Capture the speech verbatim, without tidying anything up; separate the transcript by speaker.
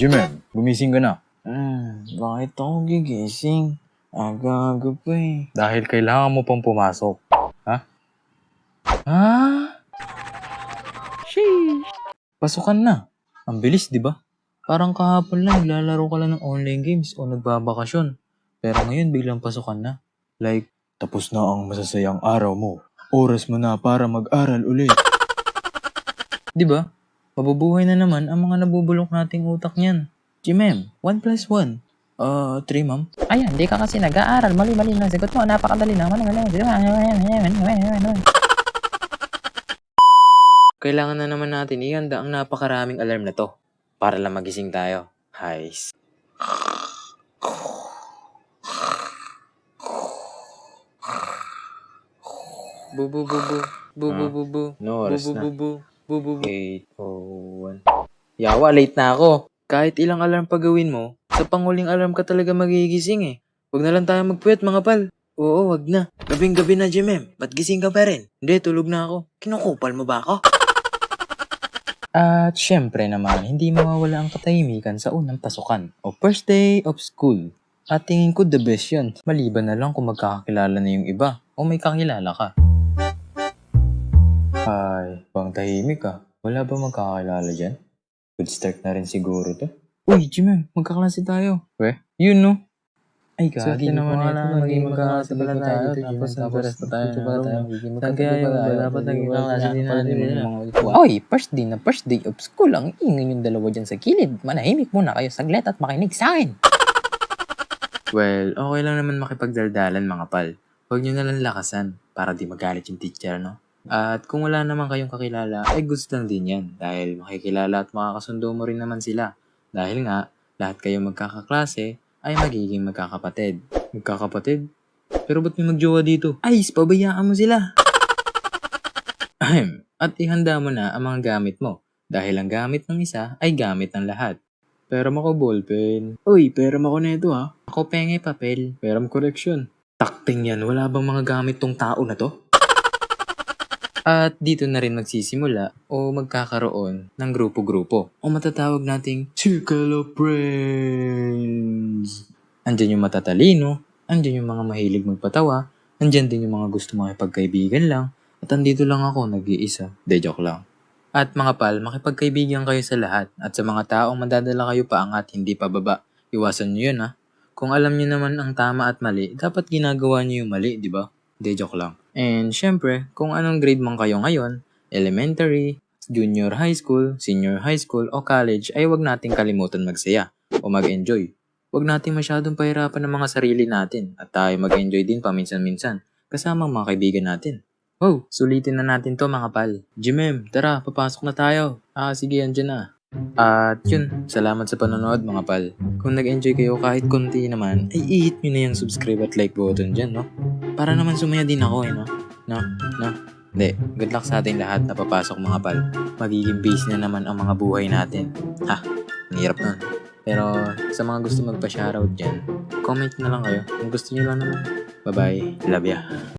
Speaker 1: Jimem, gumising ka na.
Speaker 2: Hmm, bakit ako gigising? Aga-aga pa eh.
Speaker 1: Dahil kailangan mo pang pumasok. Ha? Ha? Sheesh. Pasukan na. Ang bilis, di ba? Parang kahapon lang, naglalaro ka lang ng online games o nagbabakasyon. Pero ngayon, biglang pasukan na. Like, tapos na ang masasayang araw mo. Oras mo na para mag-aral ulit. Di ba? Mabubuhay na naman ang mga nabubulok nating utak niyan. Jimem, one plus one. Uh, three, ma'am.
Speaker 3: Ayan, di ka kasi nag-aaral. Mali-mali lang sagot mo. Napakadali naman.
Speaker 2: Kailangan na naman natin ihanda ang napakaraming alarm na to para lang magising tayo. Hays. Bubu bubu bubu bubu.
Speaker 1: No oras
Speaker 2: bubu
Speaker 1: na.
Speaker 2: bubu bubu bubu.
Speaker 1: eight oh one.
Speaker 2: Yawa, late na ako. Kahit ilang alarm pa gawin mo, sa panguling alarm ka talaga magigising eh. Huwag na lang tayo magpuyat mga pal. Oo, wag na. Gabing-gabi na, Jimem. Ba't gising ka pa rin? Hindi, tulog na ako. Kinukupal mo ba ako?
Speaker 1: At syempre naman, hindi mawawala ang katahimikan sa unang pasukan o first day of school. At tingin ko the best yun. Maliban na lang kung magkakakilala na yung iba o may kakilala ka. Ay, bang tahimik ka. Wala ba magkakilala dyan? Good start na rin siguro to. Uy, Jimem, magkaklase tayo. Weh, yun no? Ay, gagi naman ito. Maging magkaklase pala tayo dito, Jimem. Tapos pa tayo na tayo. Tagay, dapat naging kaklase din natin.
Speaker 3: Oy, first day na first day of school. Ang ingay yung dalawa dyan sa kilid. Manahimik muna kayo saglit at makinig sa akin.
Speaker 2: Well, okay lang naman makipagdaldalan mga pal. Huwag nyo nalang lakasan para di magalit yung teacher, no? At kung wala naman kayong kakilala, ay gusto lang din yan. Dahil makikilala at makakasundo mo rin naman sila. Dahil nga, lahat kayo magkakaklase ay magiging magkakapatid. Magkakapatid? Pero ba't may magjowa dito? Ay, pabayaan mo sila! Ahem. At ihanda mo na ang mga gamit mo. Dahil ang gamit ng isa ay gamit ng lahat. Peram ako ballpen. Uy, peram ako neto ha. Ako penge papel. Peram correction. Takting yan, wala bang mga gamit tong tao na to? At dito na rin magsisimula o magkakaroon ng grupo-grupo o matatawag nating Circle of Friends. Andyan yung matatalino, andyan yung mga mahilig magpatawa, andyan din yung mga gusto makipagkaibigan lang, at andito lang ako nag-iisa. De joke lang. At mga pal, makipagkaibigan kayo sa lahat at sa mga taong madadala kayo paangat hindi pababa. Iwasan nyo yun ha. Kung alam nyo naman ang tama at mali, dapat ginagawa nyo yung mali, di ba? De joke lang. And syempre, kung anong grade man kayo ngayon, elementary, junior high school, senior high school, o college, ay wag nating kalimutan magsaya o mag-enjoy. Wag nating masyadong pahirapan ng mga sarili natin at tayo mag-enjoy din paminsan-minsan kasama ang mga kaibigan natin. Wow, sulitin na natin to mga pal. Jimem, tara, papasok na tayo. Ah, sige, andyan na. At yun, salamat sa panonood mga pal. Kung nag-enjoy kayo kahit konti naman, ay i-hit nyo na yung subscribe at like button dyan, no? Para naman sumaya din ako eh, no? No? No? Hindi, good luck sa ating lahat na papasok mga pal. Magiging busy na naman ang mga buhay natin. Ha, ang hirap nun. Pero sa mga gusto magpa-shoutout dyan, comment na lang kayo. Kung gusto nyo lang naman. Bye-bye. Love ya.